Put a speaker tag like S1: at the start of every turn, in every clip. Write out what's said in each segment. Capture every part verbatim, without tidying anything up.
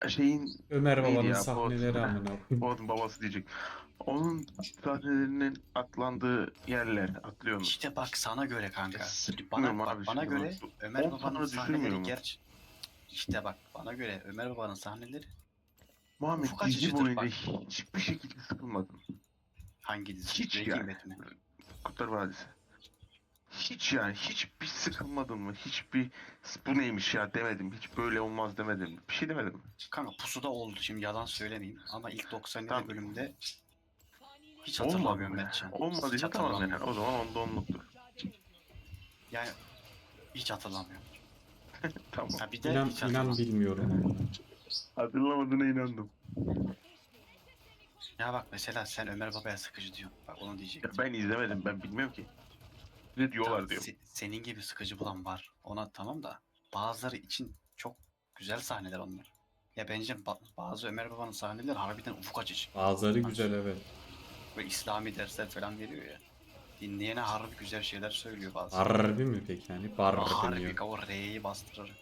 S1: şeyin
S2: Ömer
S1: neydi
S2: Baba'nın
S1: ya? Fuat.
S2: sahneleri amına koyayım.
S1: Fuat'ın babası diyecek. Onun sahnelerinin atlandığı yerler atlıyorsunuz.
S3: İşte bak sana göre
S1: Ya
S3: kanka. Şimdi bana
S1: sıkmıyorum
S3: bak
S1: abi
S3: bana
S1: şimdi bak.
S3: göre Ömer
S1: On
S3: Baba'nın
S1: tane düşürmüyor
S3: sahneleri
S1: mu?
S3: gerçi işte bak bana göre Ömer Baba'nın sahneleri
S1: Muhammed
S3: ufuk
S1: dizi
S3: açıcıdır
S1: boyunca
S3: bak.
S1: hiçbir şekilde sıkılmadım.
S3: Hangi dizi?
S1: Hiç
S3: Breaking
S1: yani.
S3: Bad mi?
S1: Kurtlar Vadisi. Hiç yani hiçbir sıkılmadım mı? Hiçbir bu neymiş ya demedim. Hiç böyle olmaz demedim. Bir şey demedim.
S3: Kanka Pusu'da oldu şimdi yalan söylemeyeyim ama ilk doksan yedi
S1: Tamam.
S3: bölümde hiç
S1: Olmadı
S3: hatırlamıyorum
S1: mı yani?
S3: Mertcan. Hiç
S1: Olmadıysa tamam yani.
S3: hatırlamıyorum.
S1: O zaman onda onluktur.
S3: Yani hiç hatırlamıyorum.
S1: Tamam.
S3: Ha bir de
S2: İnan,
S3: hiç
S2: inan
S3: hatırlamıyorum.
S2: bilmiyorum amına.
S1: Hatırlamadığına inandım.
S3: Ya bak mesela sen Ömer Baba'ya sıkıcı diyorsun. Bak onu
S1: Ya
S3: diyecektim.
S1: ben izlemedim. Ben bilmiyorum ki. Ne
S3: Tamam,
S1: diyorlar diyorum.
S3: se- senin gibi sıkıcı bulan var. Ona tamam da bazıları için çok güzel sahneler onlar. Ya bence ba- bazı Ömer Baba'nın sahneleri harbiden ufuk açıcı.
S2: Bazıları
S3: Bak,
S2: güzel evet.
S3: böyle İslami dersler falan veriyor ya. Dinleyene harbi güzel şeyler söylüyor bazı.
S2: Harbi mi peki yani? Bar
S3: Harbi
S2: deniyor.
S3: o R'yi bastırarak.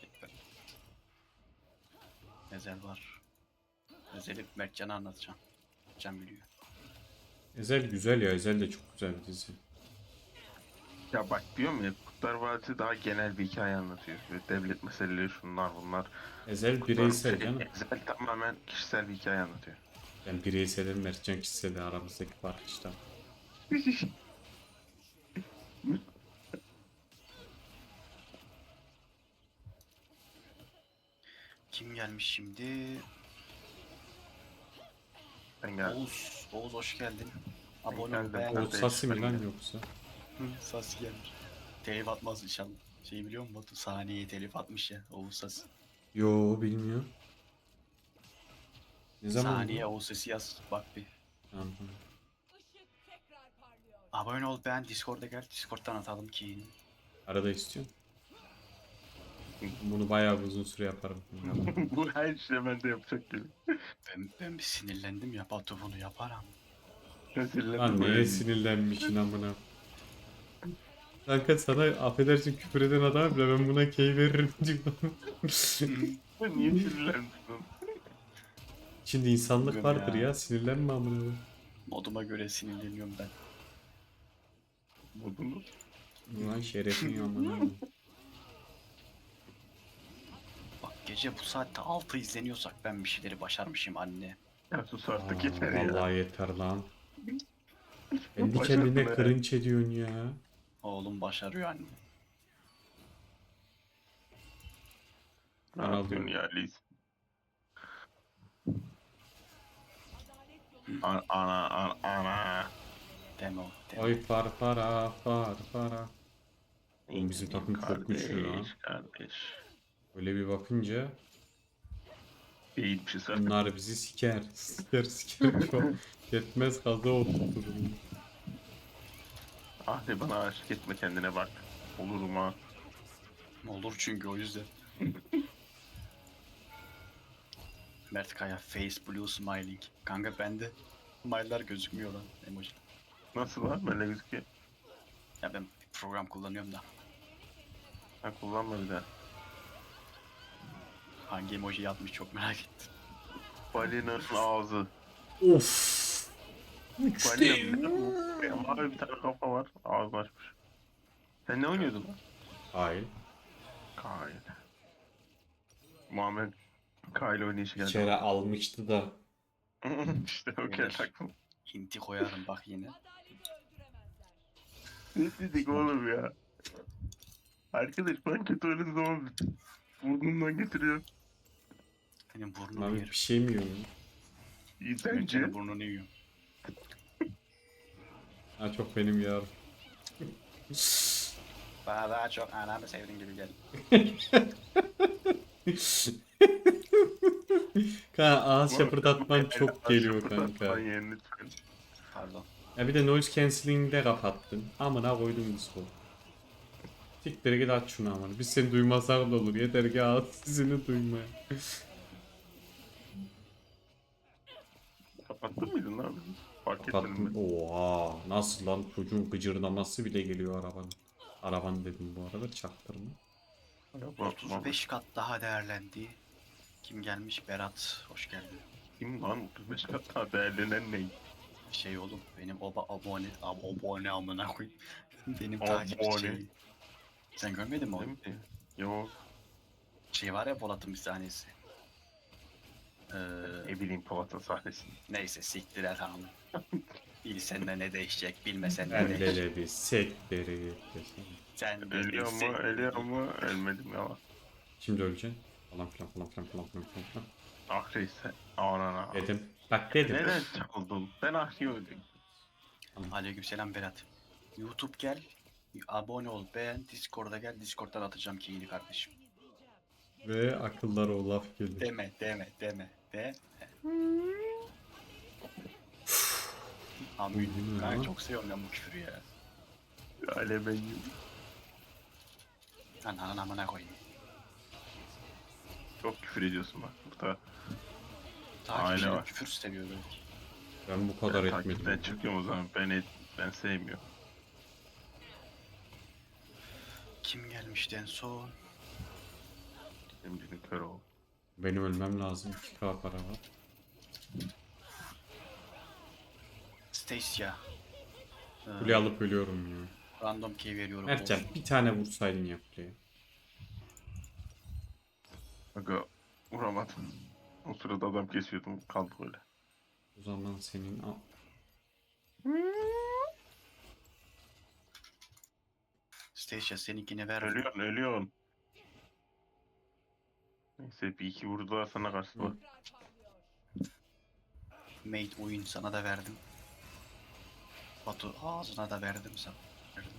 S3: Ezel var. Ezel'i Mertcan'a anlatacağım. Can biliyor.
S2: Ezel güzel ya. Ezel de çok güzel bir dizi.
S1: Ya bak diyorum ya Kurtlar Vadisi daha genel bir hikaye anlatıyor. Böyle devlet meseleleri şunlar bunlar.
S2: Ezel
S1: Kurtlar
S2: bireysel
S1: şey,
S2: canım.
S1: Ezel tamamen kişisel bir hikaye anlatıyor.
S2: Ben bireyselim Mertcan kişisel aramızdaki fark işte.
S3: Kim gelmiş şimdi?
S1: Ben geldim.
S3: Oğuz. Oğuz hoş geldin. Abone ol
S1: geldim.
S3: beğen.
S2: O
S1: Kardeş,
S2: Sasi mi
S1: ben
S2: lan
S1: de.
S2: yoksa?
S3: Hı, Sasi gelmiş. Telif atmaz inşallah. Şey biliyor musun Batu? Saniye telif atmış ya Oğuz Sasi.
S2: Yo bilmiyorum. Ne zaman
S3: Saniye
S2: bu?
S3: Oğuz Sesi yaz bak bir.
S2: Tamam.
S3: Abone ol beğen Discord'a gel. Discord'dan atalım ki.
S2: Arada istiyorum. Bunu bayağı bir uzun süre yaparım.
S1: Bu her şey bende yapacak gibi.
S3: Ben, ben bir sinirlendim ya Batu bunu yaparam.
S2: Lan neye sinirlenmişsin amına? Kanka sana affedersin küfür eden adam bile ben buna key veririm diyorum.
S1: Niye sinirlendin?
S2: Şimdi insanlık
S3: Bugün
S2: vardır
S3: ya.
S2: ya sinirlenme amına.
S3: Moduma göre sinirleniyorum ben.
S1: Buldunuz.
S2: Ulan şerefin amına.
S3: Bak gece bu saatte altı izleniyorsak ben bir şeyleri başarmışım anne.
S1: Ya sus
S2: Aa,
S1: artık yeter ya.
S2: vallahi yeter lan. Kendi
S1: Başardın
S2: kendine
S1: ha.
S2: cringe ediyorsun ya.
S3: Oğlum başarıyor anne.
S1: Ne
S2: Ben
S1: yapıyorsun
S2: alıyorum.
S1: ya Liz? Ana ana ana ana.
S3: Deme o. Deme.
S2: Oy far para far para. Oğlum bizim takım çok güçlü lan.
S1: Kardeş kardeş.
S2: Öyle bir bakınca
S1: Değilmişiz zaten.
S2: bunlar bizi siker. Siker siker çok. Yetmez kaza oturtur.
S1: Ah de bana aşık etme kendine bak. Olurum ha.
S3: Olur çünkü o yüzden. Mert Kaya face blue smiling. Kanka bende smile'lar gözükmüyor lan emoji.
S1: Nasıl var böyle gözüküyor?
S3: Ya ben bir program kullanıyorum da
S1: Ha kullanma bir daha.
S3: hangi emoji yapmış çok merak ettim.
S1: Balinanın ağzı.
S2: Of.
S1: Balinanın ne bu? Ya, mavi bir tane kafa var. Ağzını açmış. Sen ne oynuyordun lan?
S2: Hayır.
S1: Kyle. Muhammed Kyle oynayışı geldi.
S2: İçeri almıştı da.
S1: İşte o
S3: Beyler.
S1: kere taktım.
S3: Hinti koyarım bak yine.
S1: Ne dedik oğlum ya? Arkadaş ben kötü oynadığım zaman burnumdan getiriyor.
S3: Benim burnumu
S2: Abi
S3: yerim.
S2: bir şey mi yiyorsun?
S1: İyi
S3: Ben
S1: bence.
S3: senin burnunu yiyorum.
S2: Ha çok benim yar.
S3: Bana daha çok anamı sevdiğin gibi gel.
S2: Kanka ağız şapırdatman
S1: Muhammed,
S2: çok
S1: el-
S2: geliyor
S1: şapırdatman
S2: kanka.
S1: yeğenini lütfen.
S3: Pardon.
S2: Ya bir de noise cancelling'i de kapattın. Amına koydum Discord. Siktir git aç şunu amına. Biz seni duymasak da olur. Yeter ki ağız sizini duymaya.
S1: Kapattın mıydın lan? Fark etmedim
S2: Kapattım.
S1: ben.
S2: Oha. Nasıl lan çocuğun gıcırdaması bile geliyor arabanın. Araban dedim bu arada çaktırma.
S1: Yapma,
S3: otuz beş kat daha değerlendi. Kim gelmiş? Berat. Hoş geldin.
S1: Kim lan otuz beş kat daha değerlenen ne?
S3: Şey oğlum benim oba abone ab abone amına koyayım. Benim
S1: Abone.
S3: takipçi şeyi. Sen görmedin mi onu?
S1: Değil mi? Yok.
S3: Şey var ya Polat'ın bir sahnesi. Ee,
S1: Ne bileyim Polat'ın sahnesini.
S3: neyse siktir et hanım. Bilsen de ne değişecek, bilmesen de
S2: Ben
S3: ne
S2: de
S3: değişecek.
S2: de bir sekleri gitmesin.
S3: Sen de
S1: Ölüyor mu?
S3: bilsen-
S1: Ölüyor mu? Ölmedim ya.
S2: Şimdi öleceksin. Falan filan falan filan falan filan falan filan.
S1: Ahri ise. Anana.
S2: Dedim. Bak dedim.
S1: Neden çaldın? Ben Ahri'yi öldüm.
S3: Aleykümselam Berat. YouTube gel, abone ol, beğen, Discord'a gel, Discord'dan atacağım keyini kardeşim.
S2: Ve akıllara o laf gelir.
S3: Deme, deme, deme, de. Abi
S2: Uydun ya.
S3: ben çok seviyorum ben bu küfürü ya.
S1: Ale ben
S3: Ananın amına koyayım.
S1: çok küfür ediyorsun bak burada.
S3: Takipçilerim
S1: var.
S3: küfür seviyor belki.
S2: Ben bu kadar
S1: Ben takipten
S2: etmedim.
S1: çıkıyorum o zaman. Ben et, ben sevmiyorum.
S3: Kim gelmişti en son?
S1: Şimdi kör ol.
S2: Benim ölmem lazım. iki K para var.
S3: Stacia. Ee,
S2: Kule alıp ölüyorum ya.
S3: Random key veriyorum.
S2: Mertcan
S3: olsun.
S2: bir tane vursaydın ya kuleye.
S1: Aga vuramadım. O sırada adam kesiyordum. Kaldı böyle.
S2: O zaman senin... Aa,
S3: Stacia seninkine ver.
S1: Ölüyorsun ölüyorsun. Neyse bir iki vurdular sana karşı bak.
S3: Mate oyun sana da verdim. Batu ağzına da verdim sana. Verdim.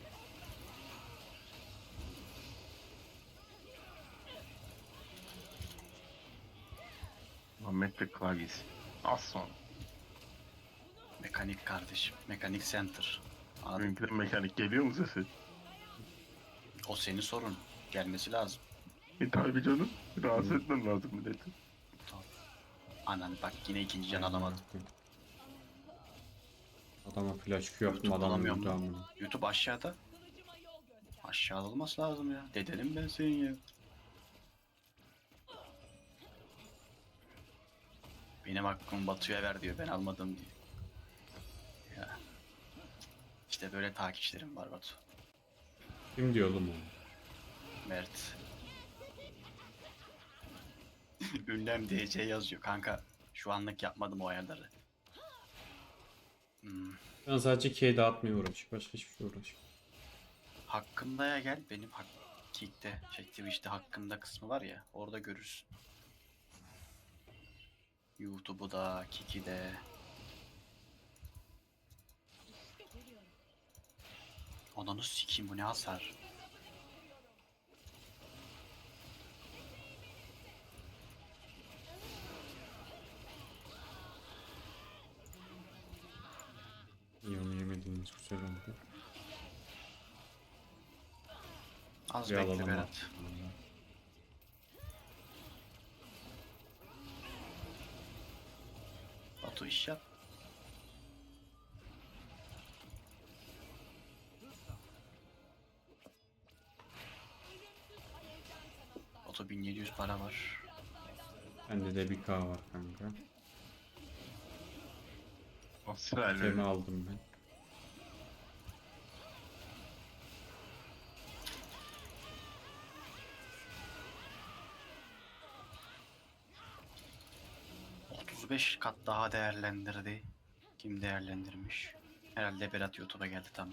S1: Ahmet ve klavyesi. Az sonra.
S3: Mekanik kardeşim. Mekanik center. Anladın?
S1: Benimkiden mekanik geliyor mu sesi?
S3: O senin sorun. Gelmesi lazım.
S1: E tabi canım. Rahatsız etmem lazım milleti.
S3: Anan bak yine ikinci can alamadım.
S2: Adama flash Q yaptım,
S3: YouTube
S2: adam
S3: alamıyorum
S2: öldü
S3: lan.
S2: amına.
S3: YouTube aşağıda. Aşağıda olması lazım ya. Dedenim ben senin ya. Benim hakkımı Batu'ya ver diyor. Ben almadım diyor. Ya. İşte böyle takipçilerim var Batu.
S2: Kim diyor oğlum onu?
S3: Mert. Ünlem D C yazıyor kanka. Şu anlık yapmadım o ayarları. Hmm.
S2: Ben sadece K dağıtmaya uğraşıyorum. Başka hiçbir şey uğraşmıyorum.
S3: Hakkında'ya gel. Benim hak Kick'te, şey Twitch'te hakkında kısmı var ya. Orada görürsün. YouTube'u da, Kick'i de. Ananı sikeyim bu ne hasar.
S2: İyi, onu yemediğiniz güzel oldu.
S3: Az
S2: Bir
S3: bekle
S2: alalım
S3: Berat.
S2: artık.
S3: Batu iş yap. Batu bin yedi yüz para var.
S2: Bende de bir K var kanka.
S1: Asrar'la.
S2: Temi aldım ben.
S3: otuz beş kat daha değerlendirdi. Kim değerlendirmiş? Herhalde Berat YouTube'a geldi tamam.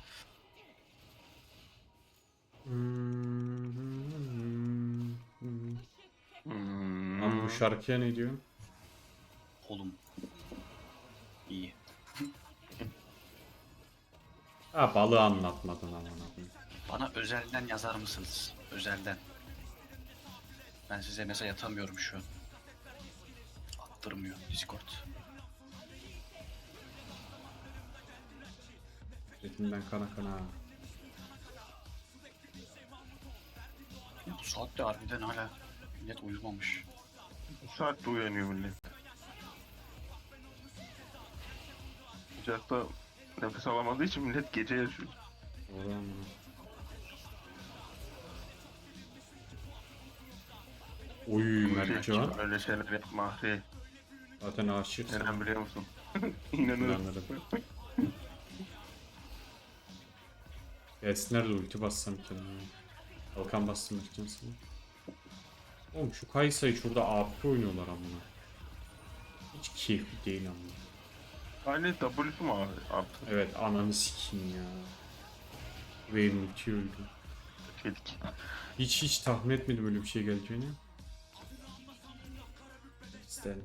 S1: Hmm.
S2: Lan bu şarkıya ne diyor?
S3: Oğlum. İyi.
S2: Ha, balığı anlatmadın amına koyayım.
S3: Bana özelden yazar mısınız? Özelden. Ben size mesaj atamıyorum şu an. Attırmıyor Discord.
S2: Retimden kana kana.
S3: Ya bu saatte harbiden hala millet uyumamış.
S1: Bu saatte uyanıyor millet. Sıcakta nefes alamadığı için millet gece yaşıyor.
S2: Doğru amına. Oy Mertcan.
S1: Öyle şeyler yapma Ahri.
S2: Zaten aşık.
S1: Neden biliyor musun? İnanırım.
S2: İnanırım. Gelsinler de ulti bassam kendime. Kalkan bastım Mertcan sana. Oğlum şu Kaysa'yı şurada A P oynuyorlar amına. Hiç keyifli değil amına.
S1: Aynı W'su mu abi? Artık
S2: Evet ananı sikeyim ya. Ve ulti öldü.
S1: dedik.
S2: Hiç hiç tahmin etmedim öyle bir şey geleceğini. İsterim.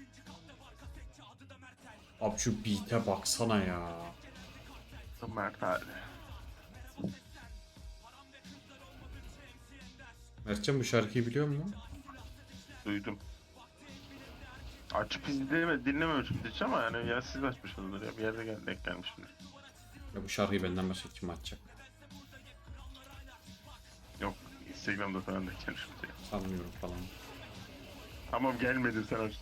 S2: Abi şu beat'e baksana ya.
S1: Mert abi.
S2: Mertcan bu şarkıyı biliyor musun?
S1: Duydum. Açıp izleme, dinlememişim hiç ama yani ya siz açmışsınızdır ya bir yerde gel denk gelmişimdir.
S2: Ya bu şarkıyı benden başka kim açacak?
S1: Yok Instagram'da falan denk gelmişimdir.
S2: Sanmıyorum falan.
S1: Tamam gelmedin sen aç.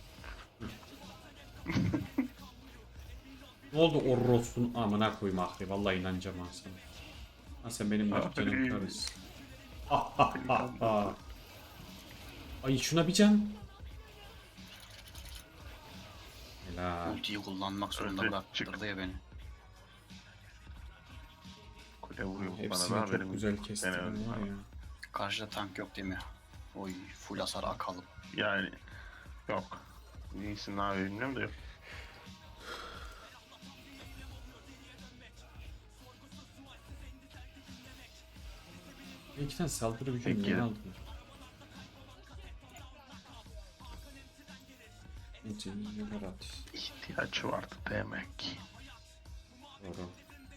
S2: Ne oldu Orros'un amına koyayım ahri. Vallahi inanacağım ha sana. Ha sen benim Mertcan'ım
S1: Ahri.
S2: karısı. Ah ah ah ah. Ay şuna bir can. Helal.
S3: Ultiyi kullanmak zorunda
S1: Öldü,
S3: bıraktırdı ya beni.
S1: Kule vuruyor bana
S2: Hepsini
S1: da
S2: çok
S1: haberim
S2: güzel
S1: yok.
S2: kestin
S1: Gene öldüm
S2: var
S1: ama.
S2: ya.
S3: Karşıda tank yok değil mi? Oy full hasar akalım.
S1: Yani yok. Neysin abi bilmiyorum da yok.
S2: Ben iki tane saldırı gücü
S1: Peki.
S2: niye aldım? İncelik at.
S1: İhtiyaç vardı demek.
S2: Doğru.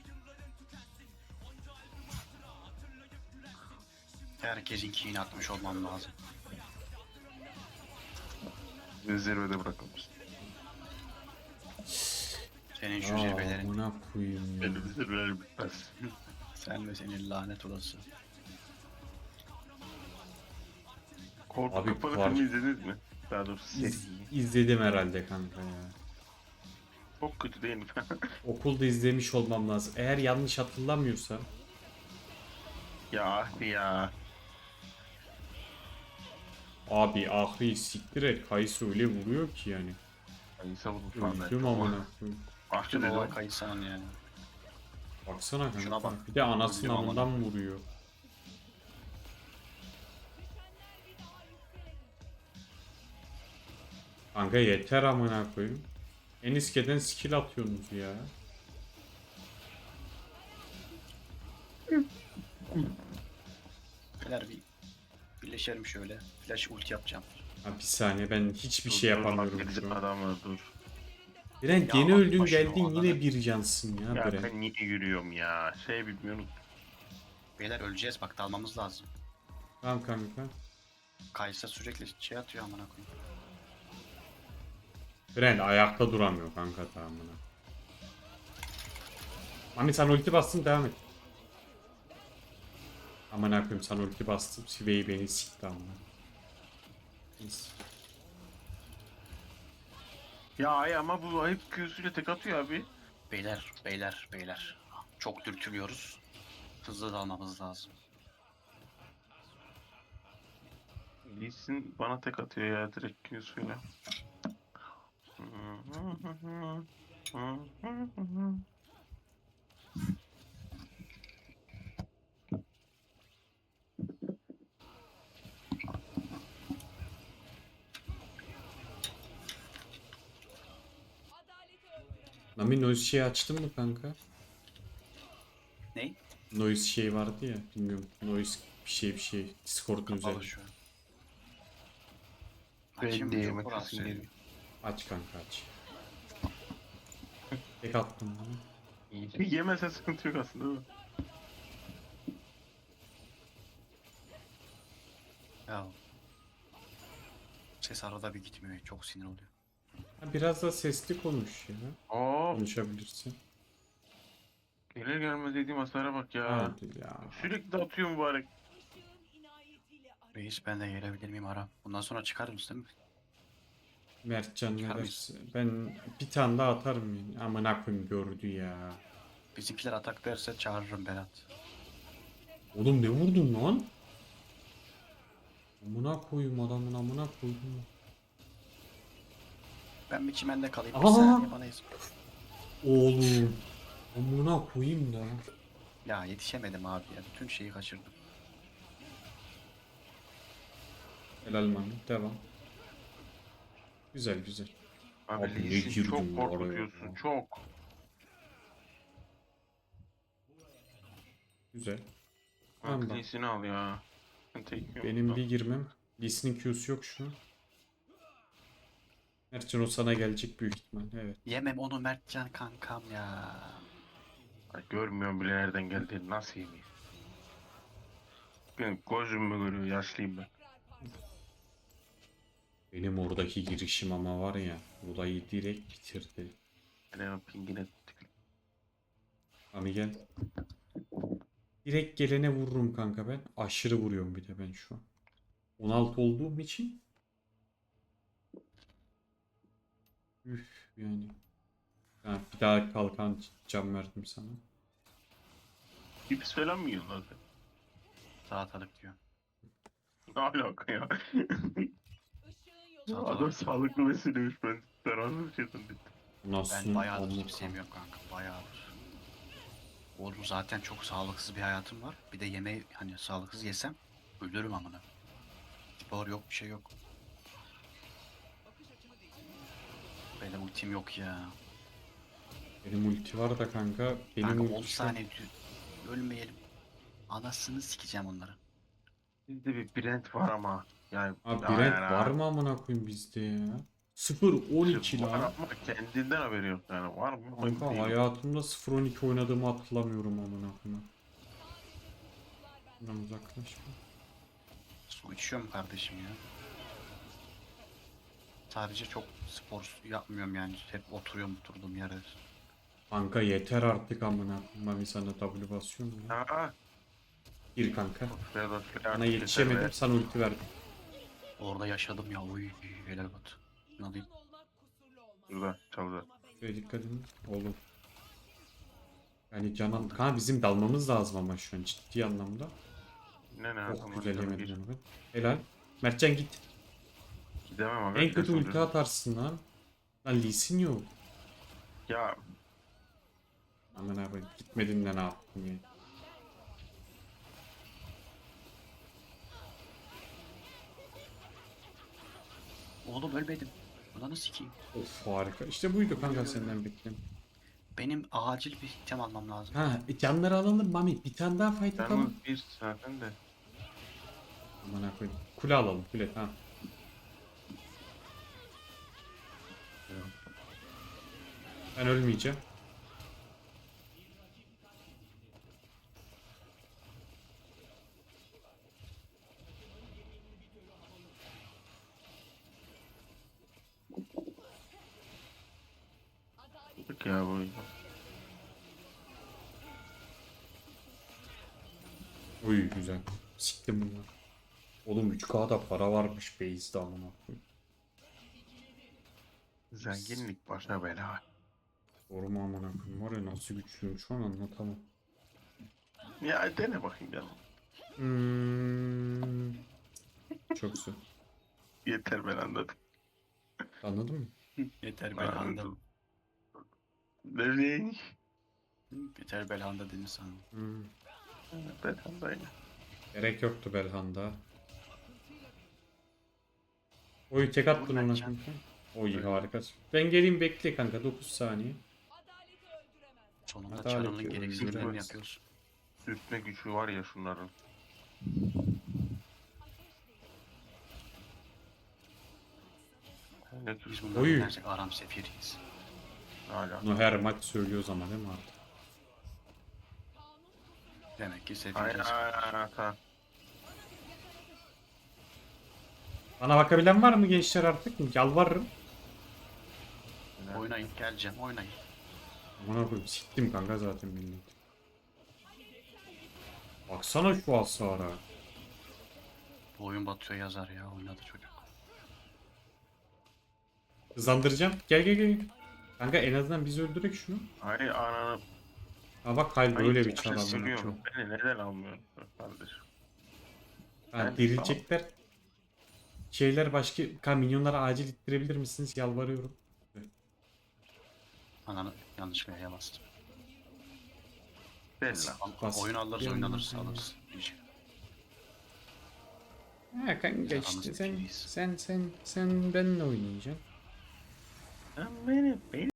S3: Herkesin keyini atmış olmam lazım.
S1: Zirvede bırakılmış.
S3: Senin şu
S2: Aa,
S3: zirvelerin.
S2: buna koyayım ya.
S1: Benim zirvelerim bitmez.
S3: Sen ve senin lanet olası.
S1: Korku
S2: Abi,
S1: Kapalı
S2: var.
S1: filmi izlediniz mi? Daha doğrusu seri.
S2: İz, izledim herhalde kanka ya.
S1: Çok kötü değil mi?
S2: Okulda izlemiş olmam lazım. Eğer yanlış hatırlamıyorsam.
S1: ya ya.
S2: Abi ahri siktir et. Kayısı öyle vuruyor ki yani.
S1: İnsan bunu falan
S2: Öldüm amına koyayım.
S1: Ahçı
S3: Tüm
S1: dedim.
S3: olay kayıtsan yani.
S2: Baksana kanka.
S3: Şuna bak.
S2: Bir de anasının
S3: Öldüm amına.
S2: amından vuruyor. Kanka yeter amına koyayım. En iskeden skill atıyorsunuz ya.
S3: Beyler bir birleşelim şöyle. Flash ulti yapacağım.
S2: Ha, bir saniye ben hiçbir
S1: Dur,
S2: şey
S1: dur,
S2: yapamıyorum
S1: bak,
S2: şu an.
S1: Adamı dur.
S2: Brent
S3: Ya
S2: yeni
S3: bak
S2: öldün
S3: başına
S2: geldin
S3: o
S2: yine
S3: adamı.
S2: bir cansın ya,
S1: Ya
S2: Brent.
S1: ben niye yürüyorum ya? Şey bilmiyorum.
S3: Beyler öleceğiz bak dalmamız lazım.
S2: Tamam kanka.
S3: Kaysa sürekli şey atıyor amına koyayım.
S2: Brent ayakta duramıyor kanka tamamına. Mami sen ulti bastın devam et. Aman akıyım sen ulti bastım. Siveyi beni sikti amına. Neyse.
S1: Ya ay ama bu ayıp Q'suyla tek atıyor abi.
S3: Beyler, beyler, beyler. Çok dürtülüyoruz. Hızlı dalmamız lazım.
S1: Lee Sin bana tek atıyor ya direkt Q'suyla.
S2: Mami noise şeyi açtın mı kanka?
S3: Ney?
S2: Noise şey vardı ya bilmiyorum. Noise bir şey bir şey. Discord'un
S3: Kapalı
S2: üzerinde.
S3: şu an.
S1: Ben
S3: Açayım
S1: de
S3: mı? Çok
S1: yemek
S3: rahatsız
S1: yesim
S3: ediyor.
S1: geliyor.
S2: Aç kanka aç. Tek attım bunu.
S1: Yemese sıkıntı yok aslında değil mi?
S3: Ya. Ses arada bir gitmiyor. Çok sinir oluyor.
S2: Ha, biraz da sesli konuş ya.
S1: Oo,
S2: Konuşabilirsin.
S1: gelir gelmez yediğim hasara bak ya.
S2: Hadi ya.
S1: Sürekli atıyor mübarek.
S3: Reis ben de gelebilir miyim ara? Bundan sonra çıkar mısın değil mi?
S2: Mertcan ne
S3: Çıkar
S2: derse. Ben bir tane daha atarım yani. Aman koyayım gördü ya.
S3: Bizimkiler atak derse çağırırım Berat.
S2: Oğlum ne vurdun lan? Amına koyayım adamın amına koydum.
S3: Ben bir çimende kalayım. Bir
S2: Aa!
S3: saniye bana izin.
S2: Oğlum. Amına koyayım da.
S3: Ya yetişemedim abi ya. Bütün şeyi kaçırdım.
S2: Helal Mami. Devam. Güzel güzel.
S1: Abi,
S2: Abi ne
S1: Lee Sin
S2: girdin
S1: çok
S2: oraya
S1: korkutuyorsun
S2: ya?
S1: çok.
S2: Güzel.
S1: Tamam,
S2: Tamam
S1: Lee
S2: bak.
S1: Sin'i al ya. Ben tek yiyorum
S2: Benim
S1: burada.
S2: bir girmem. Lee Sin'in Q'su yok şu an. Mertcan o sana gelecek büyük ihtimal. Evet.
S3: Yemem onu Mertcan kankam ya.
S1: Ay, görmüyorum bile nereden geldiğini, nasıl yemeyeyim? Benim gözüm mü görüyor, yaşlıyım ben.
S2: Benim oradaki girişim ama var ya. Olayı direkt bitirdi.
S1: Ben hemen pingine tıklayayım.
S2: Mami gel. Direkt gelene vururum kanka ben. Aşırı vuruyorum bir de ben şu an. on altı olduğum için. Üf yani. Ha, bir daha kalkan cam verdim sana.
S1: Cips falan mı yiyorsun lan sen?
S3: Salatalık diyor.
S1: Ne alaka ya?
S3: Salatalık.
S1: Adam sağlıklı besliyormuş, ben zararlı bir şey zannettim.
S2: Nasıl?
S3: Ben bayağıdır
S2: Amına
S3: cips yemiyorum kanka. Bayağıdır. Oğlum zaten çok sağlıksız bir hayatım var. Bir de yemeği hani sağlıksız yesem ölürüm amına. Spor yok, bir şey yok. Benim ultim yok ya.
S2: Benim ulti var da kanka. Benim
S3: Kanka
S2: ulti
S3: on
S2: şu-
S3: saniye dü- ölmeyelim. Anasını sikeceğim onları.
S1: Bizde bir Brent var ama. Yani
S2: Abi
S1: ya
S2: Brent
S1: yani
S2: var
S1: ha.
S2: mı amına koyayım bizde ya? sıfır on iki
S1: Var
S2: lan.
S1: ama kendinden haberi yok yani. Var mı?
S2: Kanka
S1: Emin değilim.
S2: hayatımda sıfır on iki oynadığımı hatırlamıyorum amına koyayım. Bundan uzaklaşma.
S3: Su içiyorum kardeşim ya. Sadece çok spor yapmıyorum yani. Hep oturuyorum oturduğum yerde.
S2: Kanka yeter artık amına koyayım. Mami sana W basıyorum ya.
S1: Ha,
S2: Gir kanka.
S1: ya da
S2: Bana yetişemedim sana ulti verdim.
S3: Orada yaşadım ya. Uy helal bat. Ne alayım?
S1: Burada çaldı.
S2: Şöyle dikkat edin. Oğlum. Yani canan. Kanka bizim dalmamız lazım ama şu an ciddi anlamda.
S1: Ne ne?
S2: Çok
S1: Aman
S2: güzel
S1: canım,
S2: yemedim
S1: gir.
S2: onu ben. Helal. Mertcan git.
S1: Gidemem abi.
S2: En kötü
S1: flash
S2: ulti
S1: oluyor.
S2: atarsın lan. Lan Lee Sin yok.
S1: Ya
S2: Aman abi gitmedin de ne yaptın ya.
S3: Oğlum ölmedim. Ulan sikeyim.
S2: Of harika. İşte buydu kanka senden bekledim.
S3: Benim acil bir item almam lazım.
S2: Ha e, canları alalım Mami. Bir tane daha fight
S1: yalnız
S2: atalım.
S1: bir zaten de.
S2: Aman koyayım. Kule alalım kule tamam. Ben ölmeyeceğim.
S1: Bak ya bu.
S2: Uy güzel. Siktim bunu. Oğlum üç K'da para varmış base'de amına koyayım.
S1: Zenginlik başına bela.
S2: Doğru mu amına koyayım? Var ya nasıl güçlüyüm şu an anlatamam.
S1: Ya dene bakayım canım.
S2: Hmm. Çok güzel.
S1: Yeter, ben anladım.
S2: Anladın mı?
S3: Yeter
S1: Ben
S3: belhanda.
S1: anladım. Nereye?
S3: Yeter belhanda dedin sana.
S2: Hmm.
S1: Ben anlayayım.
S2: Gerek yoktu Belhanda. Oy tek attın ona
S3: Mertcan.
S2: kanka. Oy harika. Ben geleyim bekle kanka dokuz saniye.
S3: Sonunda
S2: Adalet
S3: Çarlı'nın
S2: yok,
S3: gereksizlerini
S2: öldürmez.
S3: yapıyorsun.
S1: Sürtme gücü var ya şunların. Ne
S3: Biz
S1: güç
S3: bunları
S2: Oy.
S3: oynarsak aram sefiriyiz.
S1: hala.
S2: Bunu her maç söylüyoruz ama değil mi artık?
S3: Demek ki
S1: Aynen
S3: sefiriyiz.
S1: aynen tamam.
S2: Bana bakabilen var mı gençler artık? Yalvarırım.
S3: Oynayın geleceğim oynayın.
S2: Aman koyayım siktim kanka zaten millet. Baksana şu hasara.
S3: Bu oyun batıyor yazar ya oynadı çocuk.
S2: Hızlandıracağım. Gel gel gel. Kanka en azından biz öldürek şunu.
S1: Ay ananı.
S2: Ha bak hayır
S1: Ay,
S2: böyle bir
S1: taşı
S2: çar amına
S1: siliyorum.
S2: koyayım.
S1: Beni neden almıyorsun kardeşim?
S2: Ha
S1: Ben-
S2: dirilecekler. şeyler başka Ka- minyonları acil ittirebilir misiniz? Yalvarıyorum.
S3: Ananı yanlışlıkla E'ye bastım.
S1: Bella.
S3: Al-
S2: Bas.
S3: Oyun alırız, oyun
S2: Yanına-
S3: alırız, alırız. İyice.
S2: Ha kanka
S3: Biz
S2: işte
S3: aramızda
S2: sen
S3: ikiyiz.
S2: sen sen sen benimle oynayacaksın.
S1: Sen beni, beni